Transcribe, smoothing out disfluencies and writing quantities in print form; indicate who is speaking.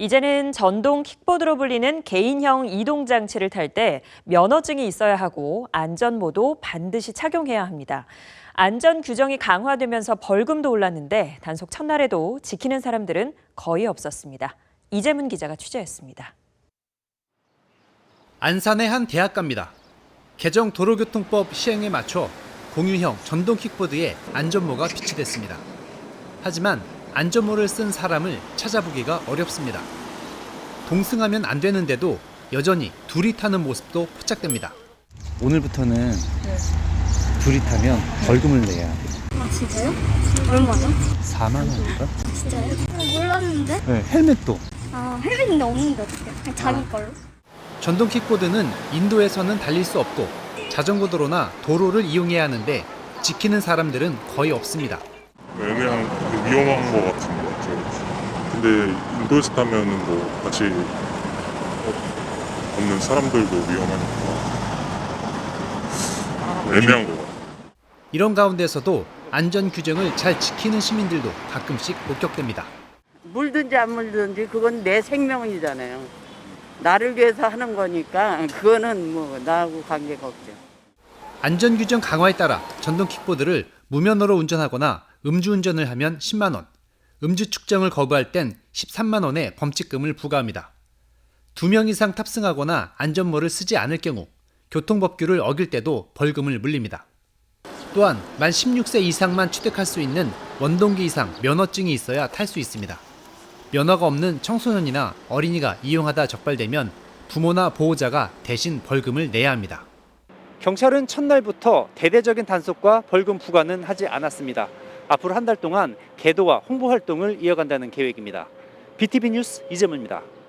Speaker 1: 이제는 전동 킥보드로 불리는 개인형 이동 장치를 탈 때 면허증이 있어야 하고 안전모도 반드시 착용해야 합니다. 안전 규정이 강화되면서 벌금도 올랐는데 단속 첫날에도 지키는 사람들은 거의 없었습니다. 이재문 기자가 취재했습니다.
Speaker 2: 안산의 한 대학가입니다. 개정 도로교통법 시행에 맞춰 공유형 전동 킥보드에 안전모가 비치됐습니다. 하지만 안전모를 쓴 사람을 찾아보기가 어렵습니다. 동승하면 안 되는데도 여전히 둘이 타는 모습도 포착됩니다.
Speaker 3: 오늘부터는 둘이 타면 벌금을 내야 돼.
Speaker 4: 아 진짜요? 얼마나?
Speaker 3: 4만 원인가?
Speaker 4: 진짜요? 몰랐는데?
Speaker 3: 네, 헬멧도.
Speaker 4: 아 헬멧인데 없는데 어떡해? 그냥 자기 걸로?
Speaker 2: 전동 킥보드는 인도에서는 달릴 수 없고 자전거 도로나 도로를 이용해야 하는데 지키는 사람들은 거의 없습니다.
Speaker 5: 애매한 위험한 것 같은 것 같아요. 근데 인도에서 타면은 뭐 같이 없는 사람들도 위험하니까 애매한 것 같아요.
Speaker 2: 이런 가운데서도 안전 규정을 잘 지키는 시민들도 가끔씩 목격됩니다.
Speaker 6: 물든지 안 물든지 그건 내 생명이잖아요. 나를 위해서 하는 거니까 그거는 뭐 나하고 관계가 없죠.
Speaker 2: 안전 규정 강화에 따라 전동 킥보드를 무면허로 운전하거나 음주운전을 하면 10만 원, 음주 측정을 거부할 땐 13만 원의 범칙금을 부과합니다. 2명 이상 탑승하거나 안전모를 쓰지 않을 경우 교통법규를 어길 때도 벌금을 물립니다. 또한 만 16세 이상만 취득할 수 있는 원동기 이상 면허증이 있어야 탈 수 있습니다. 면허가 없는 청소년이나 어린이가 이용하다 적발되면 부모나 보호자가 대신 벌금을 내야 합니다. 경찰은 첫날부터 대대적인 단속과 벌금 부과는 하지 않았습니다. 앞으로 한 달 동안 계도와 홍보 활동을 이어간다는 계획입니다. BTV 뉴스 이재문입니다.